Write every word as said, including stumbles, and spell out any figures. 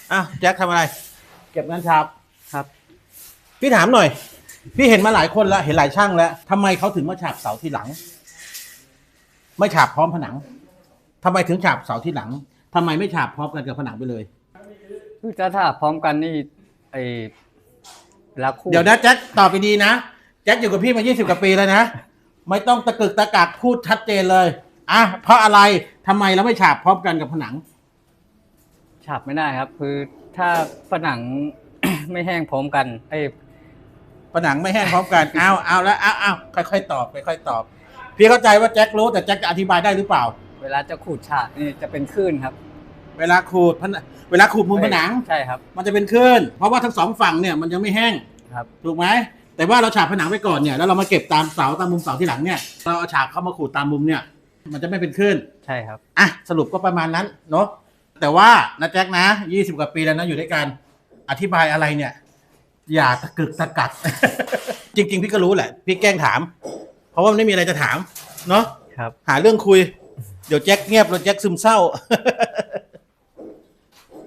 อ่ะแจ็คทำอะไร เก็บงานฉาบครับพี่ถามหน่อย พี่เห็นมาหลายคนแล้วเห็นหลายช่างแล้วทำไมเขาถึงมาฉาบเสาที่หลัง ไม่ฉาบพร้อมผนังทำไมถึงฉาบเสาที่หลังทำไมไม่ฉาบพร้อมกันกับผนังไปเลยคือจะถ้าพร้อมกันนี่ไอเวลาคู่เดี๋ยวนะแจ็คตอบไปดีนะแจ็คอยู่กับพี่มายี่สิบกว่าปีแล้วนะไม่ต้องตะกึกตะกักพูดชัดเจนเลยอ่ะเพราะอะไรทำไมเราไม่ฉาบพร้อมกันกับผนังฉาบไม่ได้ครับ คือถ้าผนัง ไม่แห้งพร้อมกันไอผนังไม่แห้งพร้อมกัน เอาเอาแล้วเอาเอาค่อยๆตอบค่อยๆตอบ พี่เข้าใจว่าแจ็ครู้แต่แจ็คจะอธิบายได้หรือเปล่าเวลาจะขูดฉาบนี่จะเป็นคลื่นครับเวลาขูดผนังเวลาขูดมุมผนังใช่ครับมันจะเป็นคลื่นเพราะว่าทั้งสองฝั่งเนี่ยมันยังไม่แห้งครับถูกไหมแต่ว่าเราฉาบผนังไปก่อนเนี่ยแล้วเรามาเก็บตามเสาตามมุมเสาที่หลังเนี่ยเราเอาฉาบเข้ามาขูดตามมุมเนี่ย มันจะไม่เป็นคลื่นใช่ครับอ่ะสรุปก็ประมาณนั้นเนาะแต่ว่านะแจ็คนะยี่สิบกว่าปีแล้วนะอยู่ด้วยกันอธิบายอะไรเนี่ย อย่าตะกึกตะกัก จริง ๆ พี่ก็รู้แหละ พี่แกล้งถาม เพราะว่ามันไม่มีอะไรจะถามเนาะครับหาเรื่องคุย เดี๋ยวแจ็คเงียบแล้วแจ็คซึมเศร้า